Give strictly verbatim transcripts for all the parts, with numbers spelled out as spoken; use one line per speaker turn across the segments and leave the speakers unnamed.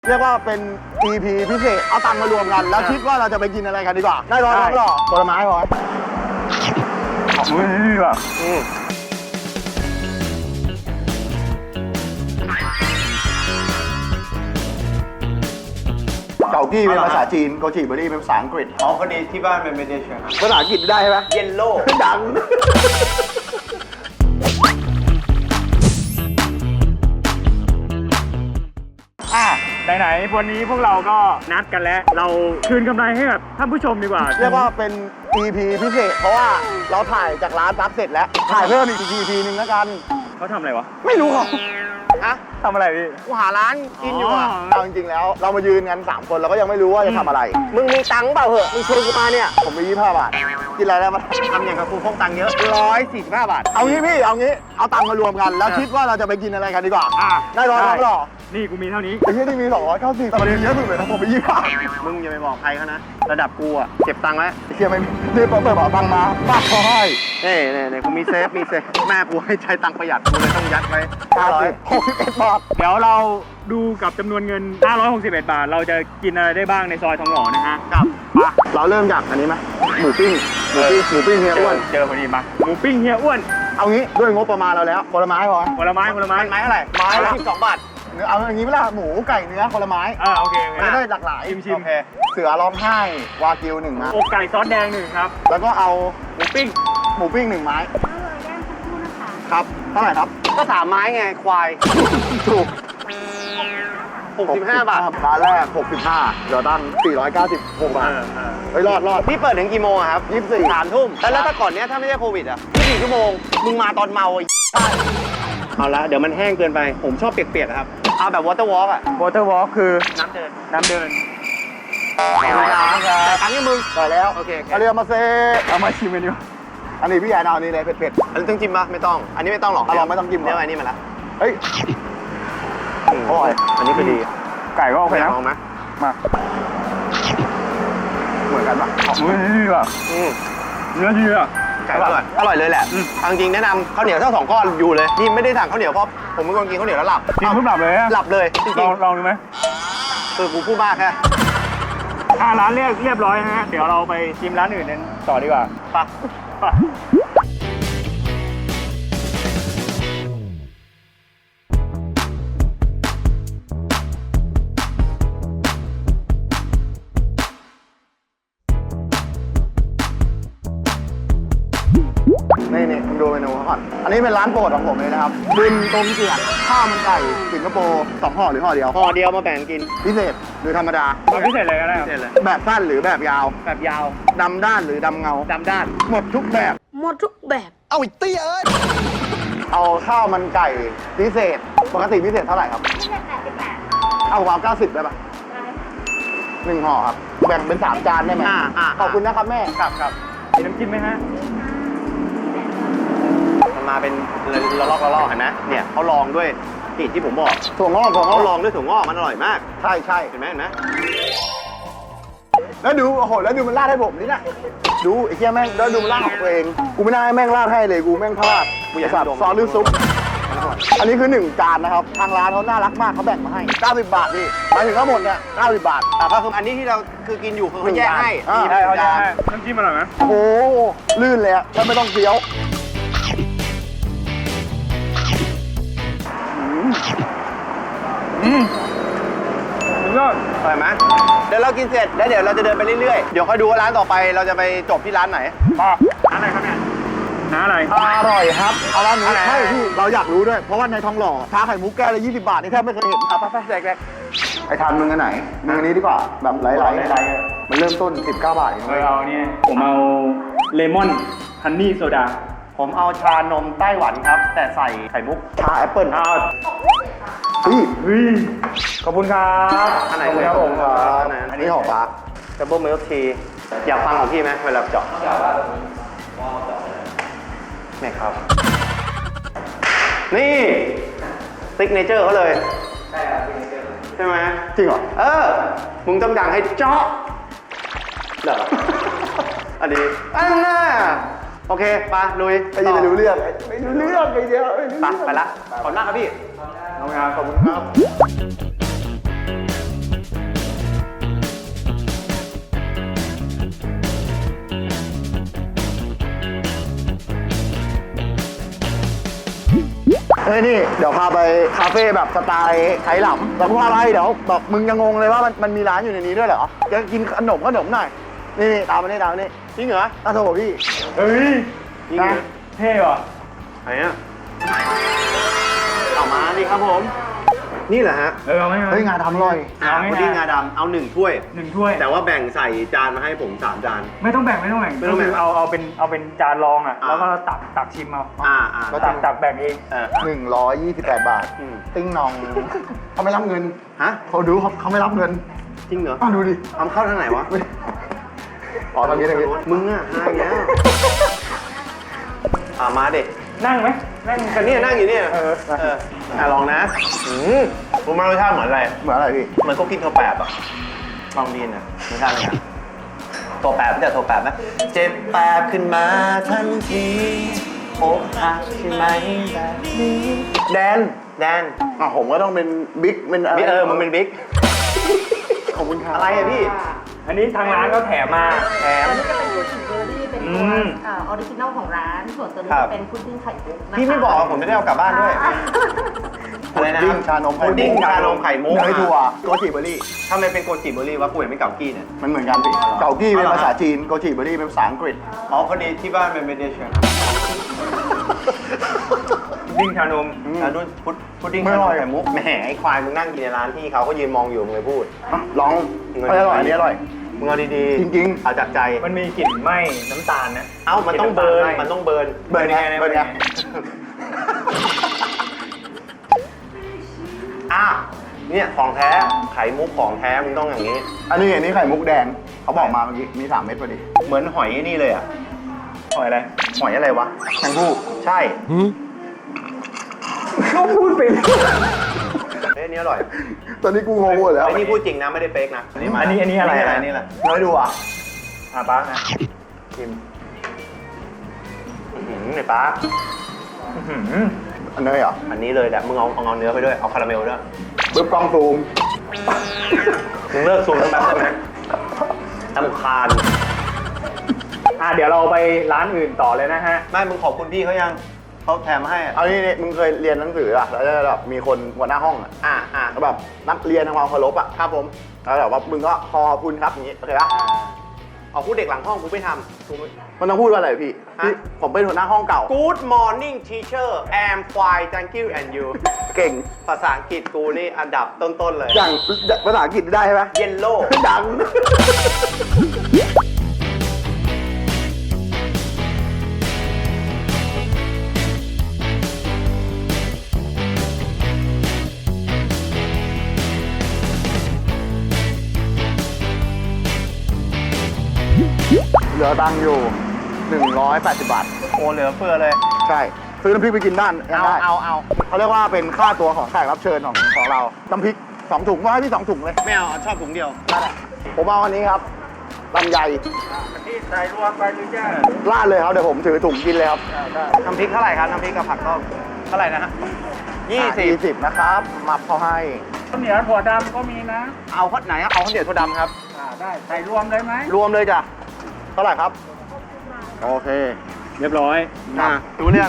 เรียกว่าเป็น อี พี พิเศษเอาตังค์มารวมกันแล้วคิดว่าเราจะไปกินอะไรกันดีกว่าได้ร้อยร้อยหรอผลไม้ร้อยอุ้ยนี่ว่ะเกากี้เป็นภาษาจีนโกจิเบอรี่เป็นภาษาอังกฤษ
อ๋อคนนี้ที่บ้านเป็นเมดิเชน
ภาษาอังกฤษได้ไหม
เยลโล่
ดัง
อ่ะไหนๆวันนี้พวกเราก็นัดกันแล้วเราคืนกำไรให้กับท่านผู้ชมดีกว่า
เรียกว่าเป็น อี พี พิเศษเพราะว่าเราถ่ายจากร้านซับเสร็จแล้วถ่ายเพิ่มอีก อี พี นึงแล้วกัน
เขาทำอะไรวะ
ไม่รู้เขาฮะ
ทำอะไรพี่
กูหาร้านกินอยู่อ่ะเอาจริงๆแล้วเรามายืนกันสามคนเราก็ยังไม่รู้ว่าจะทำอะไรมึงมีตังค์เปล่าเหอะมึงชวนกูมาเนี่ยผมมียี่สิบห้าบาทกินอะไรได้มา
ทำอย่างกับกูพกตังค์เยอะ
ร้อยสี่สิบห้าบาทเอางี้พี่เอางี้เอาตังค์มารวมกันแล้วคิดว่าเราจะไปกินอะไรกันดีกว่าได้ร้อยร้อยหรอ
นี่กูมีเท่านี้
ไอ้ที่นี่มีสองร้อยเก้าสิบแต่มันเยอะสุดเลยนะผมไปยี่สิบห้า
มึงอย่าไปบอกใครเขานะระดับกูอ่ะเก็บตังค์ไว้
ไอ้เชี่ยไม่รีบเปิดเปิดตังค์มาป้าขอให้
เน่เน่เน่กูมีเซฟมีเซฟแม่กูให้ใช้ตังค์ประหยัดกูเลยต้องยัดไว้
ห้าร้อยหกสิบเอ็ดบาท
เดี๋ยวเราดูกับจำนวนเงินห้าร้อยหกสิบเอ็ดบาทเราจะกินอะไรได้บ้างในซอยทองหล่อนะฮะ
ครับมาเราเริ่มจากอันนี้ไหมหมูปิ้งหมูปิ้งหมูปิ้งเฮียอ้วน
เจอพอดีมาหมูปิ้งเฮียอ้วน
เอางี้ด้วยงบประมาณเราแล้วผลไม้พอ
ผลไม้ผลไม้
ไม้เท่าไหร่ไม้ละสิบสองบาทเอาอย่างนี้เวลาหมูไก่เนื้อผลไม้
อ่าโอเค
ไม่ได้หลากหลาย
ชิมชิม
เสือร้องไห้วากิวหนึ่งนะ
อกไก่ซอสแดงหนึ่งครับ
แล้วก็เอา
หมูปิ้ง
หมูปิ้งหนึ่งไม้ครับเท่าไหร่ครับ
ก็สามไม้ไงควาย
ถูก
หกสิบห้าบาท
ร้านแรกหกสิบห้าเดี๋ยวตั้งสี่ร้อยเก้าสิบหกบาทเฮ้ยรอดรอด
พี่เปิดถึงกี่โมงครับ
ยี่สิบสี่
สามทุ่มแล้วถ้าก่อนเนี้ยถ้าไม่ใช่โควิดอ่ะยี่สิบสี่ชั่วโมงมึงมาตอนเมาใช่เอาละเดี๋ยวมันแห้งเกินไปผมชอบเปียกๆครับเอาแบบวอเตอร์วอล์กอ่ะ
วอเตอร์วอล์กคือ
น้ำเดิน
น้ำเดิน
แต่ตังค์ยังมึงได้แล้ว
โอเค
เอาเรียมาเซ่
เอามาชิมกันดี
อันนี้พี่แอนเอาอันนี้เลยเผ็ด
ๆอันนี้ต้องจิ้มปะไม่ต้องอันนี้ไม่ต้องหรอก
เราไม่ต้องจิ้ม
เดี๋ยวอันนี้มาละ
เฮ้ยอร่อย
อันนี้คือดี
ไก่ก็โอเคนะ
ลองไหม
มา
เหมือนกันปะ
อุ้ยนี่ว่ะเนื้อดีอ่ะ
ไก่อร่อยอร่อยเลยแหละจริงๆแนะนำข้าวเหนียวทั้งสองก้อนอยู่เลยนี่ไม่ได้สั่งข้าวเหนียวเพราะผมเป็นคนกินข้าวเหนียวแล้วหลับ
กินปุ๊บหลับเลย
หลับเลยจริง
ๆลองดูไหม
คือกูพูดมากแค่
อ่าร้านเรียกเรียบร้อยนะฮะเดี๋ยวเราไปชิมร้านอื่นกันต่อดีกว่า
ปะ
ปะ
นี่นี่คุณดูเมนูเขาก่อนอันนี้เป็นร้านโปรดของผมเลยนะครับบุญต้มเจียนข้าวมันไก่สิงคโปร์สองห่อหรือห่อเดียว
ห่อเดียวมาแบ่งกิน
พิเศษหรือธรรมดา
พิเศษเลยก็ได้
พิเศษเลย
แบบสั้นหรือแบบยาว
แบบยาว
ดำด้านหรือดำเงา
ดำด้าน
หมดทุกแบบ
หมดทุกแบบ
เอาอีกเตี้ยเอ้ยเอาข้าวมันไก่พิเศษปกติพิเศษเท่าไหร่ครับพิเศษแปดสิบแปดเอาวางเก้าสิบได้ปะได้หนึ่งห่อครับแบ่งเป็นสามจานได้ไหมขอบคุณนะครับแม่
ครับครับ
มีน้ำจิ้มไหมฮะ
มันมาเป็นละลอกละลอกเห็นไหมเนี่ยเขาลองด้วยนี่ที่ผมบอก
ถั่วงอกถั่วงอก
เขาลองด้วยถั่วงอกมันอร่อยมาก
ใช่ใช่
เห็นไหมเห็นไหม
แล้วดูโอ้โหแล้วดูมันราดให้ผมนี่นะดูไอ้เหี้ยแม่งแล้วดูมันราดของตัวเองกูไม่น่าให้แม่งราดให้เลยกูแม่งพลาดกูอยากสับซอสหรือซุปอันนี้คือหนึ่งจานนะครับทางร้านเขาน่ารักมากเขาแบ่งมาให้เก้าสิบบาทพี่หมายถึงทั้งหมดเนี่ยเก้าสิบบาท
อ่ะก็คืออันนี้ที่เราคือกินอยู่คือเขาแยกให้
ได้เขาแยกให้น้ำจิ้มอร่อยไหม
โอ้โหลื่นเลยอะถ้าไม่ต้องเคี้ยว
อืมยอด
อร่อยไหมเดี๋ยวเรากินเสร็จแล้วเดี๋ยวเราจะเดินไปเรื่อยๆเดี๋ยวค่อยดูว่าร้านต่อไปเราจะไปจบที่ร้านไหน
ป้าร้านอะไรครับเนี่ยน้าอะไร
อร่อยครับเอาร้านนี้ใช่พี่เราอยากรู้ด้วยเพราะว่าในทองหล่อชาไข่มุกแก้วละยี่สิบบาทนี่แทบไม่เคยเห็นครับไปแจกๆไอ้ทานมึงอันไหนมึงอันนี้ดีกว่าแบบไหลๆมันเริ่มต้นสิบเก้าบาทเอง
เลยเอาเนี่ยผมเอาเลมอนฮันนี่โซดา
ผมเอาชานมไต้หวันครับแต่ใส่ไข่มุก
ชาแอปเปิ้ล
อ้าว
เฮ้ย
เฮ้ยขอบคุณครับ
อันไหน
ครับผมครับอันนี้ห่อปลา
ดับเบิลมิลค์ทีอยากฟังของพี่ไหมเวลาเจาะนี่ครับนี่ซิกเนเจอร์เขาเลยใช่ครับซิกเนเจอร์ใช่ไหม
จริงเหรอ
เออมึงต้องดังให้เจาะเหรออันนี้อันน่ะโอเคไปลุย
ไปยินไม่รู้เรื่องไม่รู้เรื่องไอ้เดียว
ไปไปละขอบคุณมากครับพี่
ขอบคุณครับขอบคุณครับฮ้ยนี่เดี๋ยวพาไปคาเฟ่แบบสไตล์ไทยหลำแล้วพาไปเดี๋ยวแบบมึงจะงงเลยว่ามันมันมีร้านอยู่ในนี้ด้วยเหรอจะกินขนมขนมหน่อยนี่นี่ตามมานี่ตามมานี่
จริงเหรอ
อ้าวโถพี่
เฮ้ย
จริงเหรอ
เท่ว่ะ
ไหนอ่ะเอามาดิครับผม นี่แหละฮะ
เออเอาไหม
เฮ้ยงานทำอร่อย
อ่าพุดดิ้งงาดำเอาหนึ่งถ้วย
หนึ่งถ้วย
แต่ว่าแบ่งใส่จานมาให้ผมสามจาน
ไม่ต้องแบ่งไม่ต้องแบ่ง
ไม่ต้องแบ่ง
ก็คืเอาเอาเป็นเอาเป็นจานรองอ่ะ
อ่า
แล้วก็ตักตักชิมเอา
อ่าอ่า
ก็
ตักตักแบ่งเอง
เออ
หนึ่งร้อยยี่สิบแปดบาท
อืม
ติ้งนองเขาไม่รับเงิน
ฮะ
เขาดูเขาเขาไม่รับเงิน
จริงเหรอ
อ้าวดูดิ
เอาเข้าทางไหนวะ
อ๋อตอนนี้ตอนนี้
มึงอ่ะหายแล้วอ่ามาเด็ก
นั่งไหมนั่ง
กันเนี่ยนั่งอยู่เนี่ย
เออ
เอออ่ะลองนะอืมรู้ไหมรสชาติเหมือนอะไร
เหมือนอะไรพี่
เหมือนก็กินถั่วแปบอ่ะลองดีนะรสชาติเป็นไงถั่วแปบแต่ถั่วแปบไหมเจ็บแปบขึ้นมาทันทีอกหักใช่ไหมแบบนี้แดนแดน
อ่ะผมก็ต้องเป็นบิ๊กเป็นอะไร
บิ๊กเออมึงเป็นบิ๊ก
ขอบคุณครับ
อะไรอะพี่
อันนี้ทางร้านก็แถมมาแถม
ตัวนี้จะเป็นตัวชิมเบอร์รี่เป็น
อื
ตัว
ม
เออริจินอลของร้าน ส่วนตัวนี้
ครับ
จะเป็นพุดดิ้งไข่มุกนะคะ
พี่ไม่บอกผมจะได้เอากลับบ้านด้วย
อ่า
อะไรนะ
พุดดิ้งชานมไข่มุก
พุดดิ้งชานมไข่มุก
เนยถั่วโกจิเบอร์รี่
ทำไมเป็นโกจิเบอร์รี่วะกูเห็นไม่เก่ากี้เนี่ย
มันเหมือนกันพี่เกากี้เป็น
อ๋อเหรอ
ภาษาจีนโกจิเบอร์รี่เป็นภาษาอังกฤษ
อ๋อพอดีที่บ้านเป็นเมดิเชน
ดิ้งชานม
แล้วด้วยพุดพุดดิ้ง
ไม่
ชา
อน ร่
ม
อย
ไข่มุกแหมไอ้ควายมึงนั่งกินในร้านที่เขาก็ยืนมองอยู่มึงเลยพูด
อ่ะลอง
เงิน
ไม่อร่อยอันนี้อร่อย
มึงเอาดีๆ
จริงๆ
เอาจากใจ
มันมีกลิ่นไหม้น้ำตาลนะ
เอ้ามันต้องเบิร์นมันต้องเบิร์น
เบิร์นไงเบิร์นไง
อ่ะเนี่ยของแท้ไข่มุกของแท้มึงต้องอย่างนี้
อันนี้อันนี้ไข่มุกแดงเขาบอกมาเมื่อกี้มีสามเม็ดพอดี
เหมือนหอยนี่เลยอ่ะ
หอยอะไร
หอยอะไรวะ
แตงผู้
ใช่
ก็พูดไป
เฮ้ยอันนี้อร่อย
ตอนนี้กูงงหมดแล้ว
ไอ้นี่พูดจริงนะไม่ได้เฟกนะมา
อันนี้อันนี้อะไร
อะไร
อะ
นี่แหละ
น้อยดูอ่ะ
อ่ะป้านะ
ชิมอื้อหือไอ้ป้า
อื้อหือ
อันเนยเหรอ
อันนี้เลยแหละมึงเอาเอาเนื้อไปด้วยเอาคาราเมลด้วย
ปึ๊บกล้องซูม
มึงเลิกซูมทั้งแบบได้ไหมตำคาญ
อ่ะเดี๋ยวเราไปร้านอื่นต่อเลยนะฮะ
ไม่มึงขอบคุณพี่เขายังเขาแถมให้อะ
เอานี่นี่มึงเคยเรียนหนังสืออ่ะแล้วจะแบบมีคนหัวหน้าห้องอ่ะ
อ่าอ่า
แล้วแบบนักเรียนทำความเคารพอ่ะ
ครับผม
แล้วแบบว่ามึงก็ขอบคุณครับอย่างงี้โอเคปะ
เอาพูดเด็กหลังห้องกูไม่ทำกูไม่
มันต้องพูดว่าอะไรพี่
ฮะ
พี่ผมเป็นหัวหน้าห้องเก่า
Good morning teacher am fine thank you and you
เก่ง
ภาษาอังกฤษกูนี่อันดับต้นๆเลย
อย่างภาษาอังกฤษได้ใช่ไหม
Yellow
ดัง เหลือตังค์อยู่ หนึ่งร้อยแปดสิบบาท
โอ้เหลือเฟือเลย
ใช่ ซื้อน้ำพริกไปกินบ้านยัง
เอา
ได้
เอาเอา
เขาเรียกว่าเป็นค่าตัวของแขกรับเชิญของของเรา น้ำพริกสองถุงว่าให้พี่สองถุงเลย
ไม่เอาชอบถุงเดียว
นั่นแหละผมเอาอันนี้ครับลำไย
ที่ใส่รวมไปหรือยัง
ราดเลยครับ เดี๋ยวผมถือถุงกินเลยครับ
น้ำพริกเท่าไหร่ครับน้ำพริกกับผักต้มเท่าไหร่นะฮะยี่สิบ
ยี่สิบนะครับ มับเขาให้
ข้าวเหนียวถั่วดำก็มีนะ
เอาข้าวไหนอะเอาข้าวเหนียวถั่วดำครับ
อ่าได้ใส่รวมเลยไหม
รวมเลยจ้ะ เท่าไหร่ครับ โอเค
เรียบร้อย
อ่ารู้เรื่อง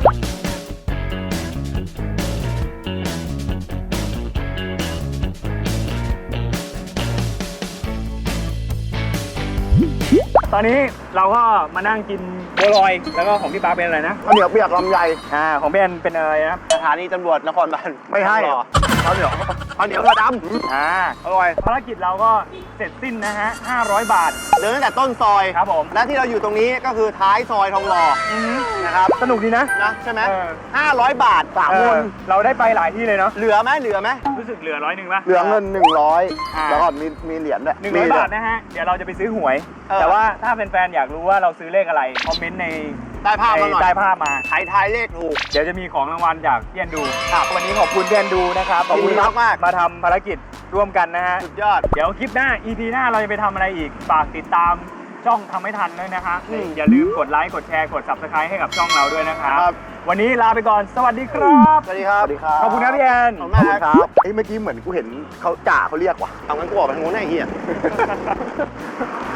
ตอนนี้เราก็มานั่งกินบัวลอย แล้วก็ของพี่ป๊าเป็นอะไรนะ
ข้าวเหนียวเปียกลำไย
อ่า ของพี่แอนเป็นอะไรนะ
สถานีตำรวจนครบาล
ไม่ให้
หรอ
ข้าวเหนียว
ข้าวเหนียวถั่วด
อ่า
ำอร่อย
ภารกิจเราก็เสร็จสิ้นนะฮะห้าร้อยบาท
เดินตั้งแต่ต้นซอย
ครับผม
และที่เราอยู่ตรงนี้ก็คือท้ายซอยทองหล่อ
อือฮึ
นะครับ
สนุกดีนะ
นะใช่ไหม
เออ
ห้าร้อยบาทสาม
เอ
ค
อน เราได้ไปหลายที่เลยเนาะ
เหลือไหมเหลือไหม
รู้สึกเหลือร้อยหนึ่งป่ะ
เหลือเงินหนึ่งร้อย
อ่า
แล้วก็มีมีเหรียญด้วย
หนึ่งร้อยบาทนะฮะ เดี๋ยวเราจะไปซื้อหวย
เออ
แต่ว่าถ้าแฟนๆอยากรู้ว่าเราซื้อเลขอะไร คอมเมนต์ใน
ใต้ภาพมาหน่อย
ใต้ภาพมา
ใครทายเลขถูก
เดี๋ยวจะมีของรางวัลจากพี่แอนดูครับวันนี้ขอบคุณพี่แอนดูนะครับ
ขอบคุณมากๆ
มาทำภารกิจร่วมกันนะฮะ
สุดยอด
เดี๋ยวคลิปหน้า อี พี หน้าเราจะไปทำอะไรอีก ฝากติดตามช่องทำให้ทันด้วยนะคะ
อืม
อย่าลืมกดไลค์ กดแชร์ กด ซับสไครบ์ ให้กับช่องเราด้วยนะครับ
ครับ
วันนี้ลาไปก่อน สวัสดีครับ
สวัสดีครับ
สวัสดีครับ
ขอบคุณนะพี่แอน
ขอบ
ขอบ
คุ
คุณ ณ
ค
ค
รั
รับ บเอ้ยเมื่อกี้เหมือนกูเห็นเขาจ่าเขาเรียกว่ะ
เอางั้นกูออกไปทางนู้นไอ้เหี้ย